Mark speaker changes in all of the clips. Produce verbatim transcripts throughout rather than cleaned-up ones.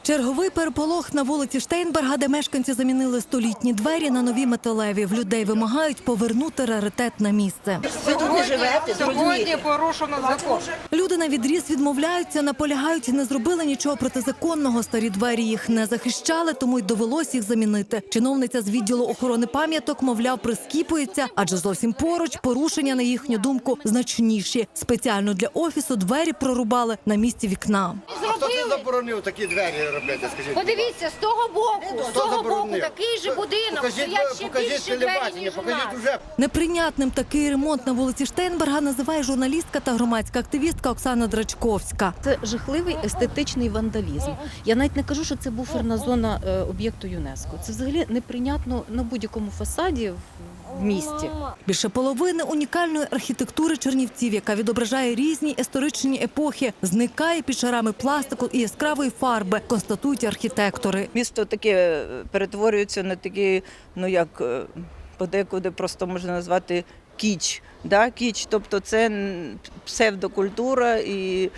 Speaker 1: Черговий переполох на вулиці Штейнберга, де мешканці замінили столітні двері на нові металеві. В людей вимагають повернути раритет на місце.
Speaker 2: Ви тут не живете,
Speaker 3: Сьогодні порушено закон.
Speaker 1: Люди на відріз відмовляються, наполягають, не зробили нічого протизаконного. Старі двері їх не захищали, тому й довелось їх замінити. Чиновниця з відділу охорони пам'яток, мовляв, прискіпується, адже зовсім поруч порушення, на їхню думку, значніші. Спеціально для офісу двері прорубали на місці вікна.
Speaker 4: А хто це заборонив такі двері робити, скажіть?
Speaker 5: Подивіться, з того боку, з того боку такий же будинок,
Speaker 4: Покажіть,
Speaker 5: стоять ще
Speaker 4: покажіть
Speaker 5: більше двері,
Speaker 4: телебачення,
Speaker 5: ніж у
Speaker 4: покажіть
Speaker 5: нас.
Speaker 4: уже.
Speaker 1: Неприйнятним такий ремонт на вулиці Штейнберга називає журналістка та громадська активістка Оксана Драчковська.
Speaker 6: Це жахливий естетичний вандалізм. Я навіть не кажу, що це буферна зона е, об'єкту ЮНЕСКО. Це взагалі неприйнятно на будь-якому фасаді в місті.
Speaker 1: Більше половини унікальної архітектури Чернівців, яка відображає різні історичні епохи, зникає під шарами пластику і яскравої фарби, констатують архітектори.
Speaker 2: Місто таке перетворюється на такий, ну як подекуди просто можна назвати кіч. Да? Кіч, тобто це псевдокультура і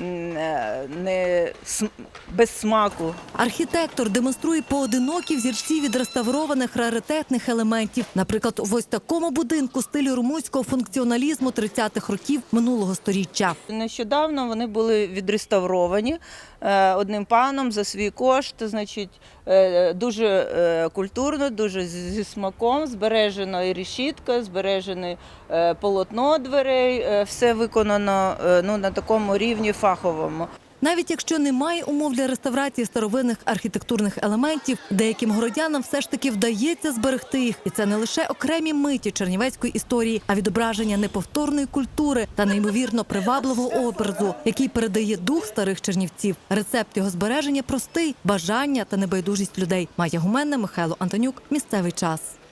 Speaker 2: не без смаку.
Speaker 1: Архітектор демонструє поодинокі взірці відреставрованих раритетних елементів. Наприклад, в ось такому будинку стилю румунського функціоналізму тридцятих років минулого сторіччя.
Speaker 2: Нещодавно вони були відреставровані одним паном за свій кошт. Значить, дуже культурно, дуже зі смаком. Збережена і решітка, збережене полотно дверей. Все виконано ну, на такому рівні фаховому.
Speaker 1: Навіть якщо немає умов для реставрації старовинних архітектурних елементів, деяким городянам все ж таки вдається зберегти їх. І це не лише окремі миті чернівецької історії, а відображення неповторної культури та неймовірно привабливого образу, який передає дух старих чернівців. Рецепт його збереження простий – бажання та небайдужість людей. Майя Гуменна, Михайло Антонюк. Місцевий час.